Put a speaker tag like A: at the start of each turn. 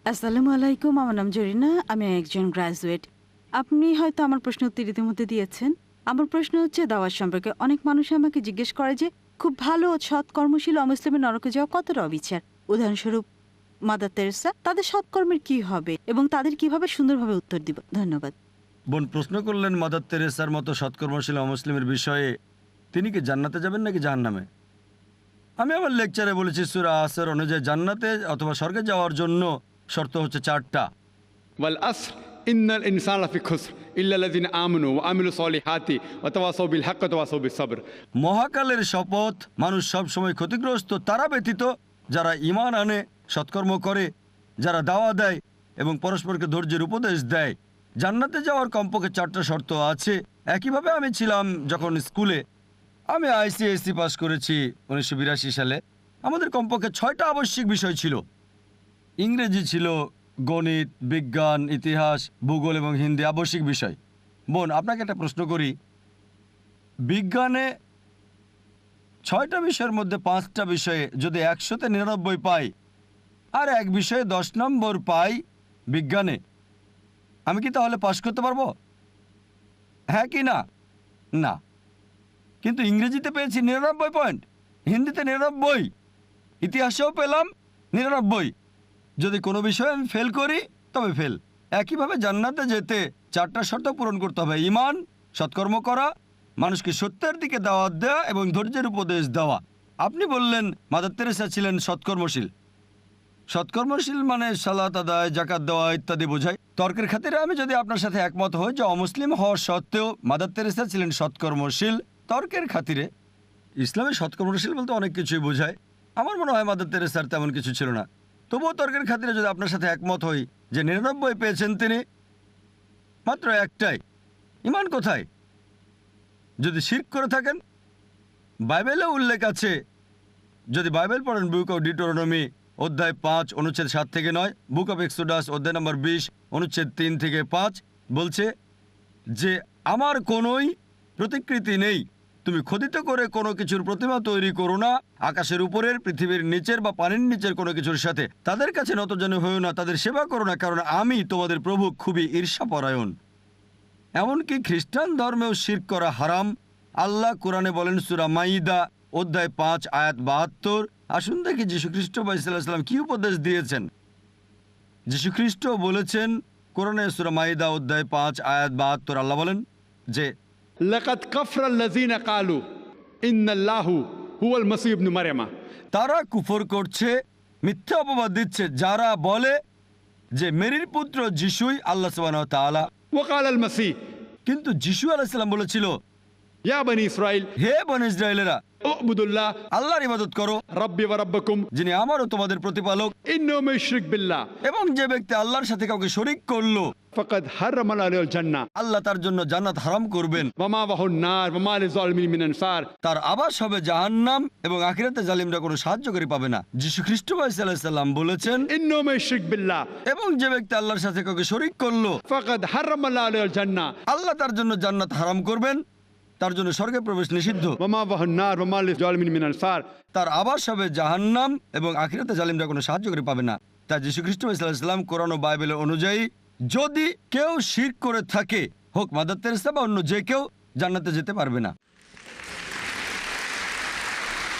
A: আসসালামু আলাইকুম, আমার নাম জরিনা, আমি একজন গ্রাজুয়েট। আপনি হয়তো আমার প্রশ্ন উত্তর ইতিমধ্যে দিয়েছেন। আমার প্রশ্ন হচ্ছে দাওয়াত সম্পর্কে। অনেক মানুষ আমাকে জিজ্ঞেস করে যে খুব ভালো ও সৎ কর্মশীল অমুসলিমের নরকে যাওয়া কতটা অবিচার। উদাহরণস্বরূপ মাদার তেরেসা, তাদের সৎকর্মের কি হবে এবং তাদের কিভাবে সুন্দরভাবে উত্তর দিব? ধন্যবাদ।
B: বোন প্রশ্ন করলেন মাদার তেরেসার মতো সৎকর্মশীল অমুসলিমের বিষয়ে, তিনি কি জান্নাতে যাবেন নাকি জাহান্নামে। আমি আমার লেকচারে বলেছি সূরা আসর অনুযায়ী জান্নাতে অথবা স্বর্গে যাওয়ার জন্য শর্ত হচ্ছে 4টা।
C: ওয়াল আসর ইন্নাল ইনসানা লাফি খুসর ইল্লা আল্লাযিনা আমানু ওয়া আমিলুস সলিহাতি ওয়া তাওয়াসাউ বিল হাক্কি ওয়া তাওয়াসাউ বিস সবর।
B: মহাকালের শপথ, মানুষ সব সময় ক্ষতিগ্রস্ত তারা ব্যতীত যারা ঈমান আনে, সৎকর্ম করে, যারা দাওয়া দেয় এবং পরস্পরকে ধৈর্যের উপদেশ দেয়। জান্নাতে যাওয়ার কমপক্ষে 4টা শর্ত আছে। একইভাবে আমি ছিলাম যখন স্কুলে, আমি আইসিএসসি পাস করেছি 1982 সালে। আমাদের কমপক্ষে 6টা আবশ্যিক বিষয় ছিল। ইংরেজি ছিল, গণিত, বিজ্ঞান, ইতিহাস, ভূগোল এবং হিন্দি আবশ্যিক বিষয়। বোন আপনাকে একটা প্রশ্ন করি, বিজ্ঞানে 6টা বিষয়ের মধ্যে 5টা বিষয়ে যদি 100তে 99 পাই আর এক বিষয়ে 10 নম্বর পাই বিজ্ঞানে, আমি কি তাহলে পাশ করতে পারবো? হ্যাঁ কি না? না। কিন্তু ইংরেজিতে পেয়েছি 99 পয়েন্ট, হিন্দিতে 99, ইতিহাসেও পেলাম 99। যদি কোনো বিষয়ে আমি ফেল করি তবে ফেল। একইভাবে জান্নাতে যেতে 4টা শর্ত পূরণ করতে হবে: ঈমান, সৎকর্ম করা, মানুষকে সত্যের দিকে দাওয়াত দেওয়া এবং ধৈর্যের উপদেশ দেওয়া। আপনি বললেন মাদার তেরেসা ছিলেন সৎকর্মশীল। সৎকর্মশীল মানে সালাত আদায়, যাকাত দেওয়া ইত্যাদি বোঝায়। তর্কের খাতিরে আমি যদি আপনার সাথে একমত হই যে অমুসলিম হওয়া সত্ত্বেও মাদার তেরেসা ছিলেন সৎকর্মশীল, তর্কের খাতিরে ইসলামে সৎকর্মশীল বলতে অনেক কিছুই বোঝায়। আমার মনে হয় মাদার তেরেসার তেমন কিছু ছিল না। তবুও তর্কের খাতিরে যদি আপনার সাথে একমত হই যে 99 পেয়েছেন তিনি, মাত্র একটাই, ঈমান কোথায়? যদি শিরক করে থাকেন, বাইবেলে উল্লেখ আছে, যদি বাইবেল পড়েন বুক অফ ডিউটেরোনমি অধ্যায় 5 অনুচ্ছেদ 7 থেকে 9, বুক অফ এক্সোডাস অধ্যায় নম্বর 20 অনুচ্ছেদ 3 থেকে 5 বলছে যে আমার কোনোই প্রতিকৃতি নেই, তুমি খোদিত করে কোনো কিছুর প্রতিমা তৈরি করো না, আকাশের উপরের, পৃথিবীর নিচের বা পানির নিচের কোনো কিছুর সাথে। তাদের কাছে নতজানু হয়েও না, তাদের সেবা করো না, কারণ আমি তোমাদের প্রভু খুবই ঈর্ষাপরায়ণ। এমনকি খ্রিস্টান ধর্মেও শিরক করা হারাম। আল্লাহ কোরআনে বলেন সূরা মাইদা অধ্যায় 5 আয়াত 72। আসুন দেখি যীশুখ্রিস্ট সাল্লাল্লাহু কি উপদেশ দিয়েছেন। যীশুখ্রিস্ট বলেছেন কোরআনে সূরা মাইদা অধ্যায় 5 আয়াত 72, আল্লাহ বলেন যে
C: লাকাদ কাফরাল্লাযিনা ক্বালু ইন্নাল্লাহু হুয়াল মাসীহ ইবনে মারইয়াম।
B: তারা কুফর করছে, মিথ্যা অপবাদ দিচ্ছে যারা বলে যে মেরির পুত্র যিশুই আল্লাহ সুবহানাহু ওয়া তাআলা।
C: ওয়া ক্বালাল মাসীহ,
B: কিন্তু যিশু আলাইহিস সালাম বলেছিল,
C: ইয়া বনি ইসরাঈল
B: হে বনী ইসরায়েলেরা,
C: উবুদুল্লাহ
B: আল্লাহর ইবাদত করো,
C: রাব্বি ওয়া রাব্বাকুম,
B: যিনি আমারও তোমাদের প্রতিপালক।
C: ইন্নাহু মান ইউশরিক বিল্লাহ
B: এবং যে ব্যক্তি আল্লাহর সাথে কাউকে শরীক করলো,
C: ফাকাদ হারামা আলাইহিল জান্নাহ
B: আল্লাহ তার জন্য জান্নাত হারাম করবেন,
C: ওয়া মাওয়াহুন নার ওয়া মা লিযালিমিন মিন আনসার।
B: তার আবাস হবে জাহান্নাম এবং আখিরাতে জালিমরা কোনো সাহায্যকারী পাবে না। যীশু খ্রিস্ট সাল্লাল্লাহু সাল্লাম বলেছেন,
C: ইন্নাহু মান ইউশরিক বিল্লাহ
B: এবং যে ব্যক্তি আল্লাহর সাথে কাউকে শরীক করলো,
C: ফাকাদ হারামা আলাইহিল জান্নাহ
B: আল্লাহ তার জন্য জান্নাত হারাম করবেন, তার জন্য স্বর্গে প্রবেশ নিষিদ্ধ,
C: ওয়া মাওয়াহুন নার ওয়া মা লিযালিমিন মিন আনসার।
B: তার আবাস হবে জাহান্নাম এবং আখিরাতে জালিমরা কোনো সাহায্যকারী পাবে না। তাই যীশু খ্রিস্ট সাল্লাল্লাহু আলাইহি ওয়াসাল্লাম কোরআন ও বাইবেলের অনুযায়ী যদি কেউ শিরক করে থাকে, হোক মাদার তেরেসা বা অন্য যে কেউ, জান্নাতে যেতে পারবে না।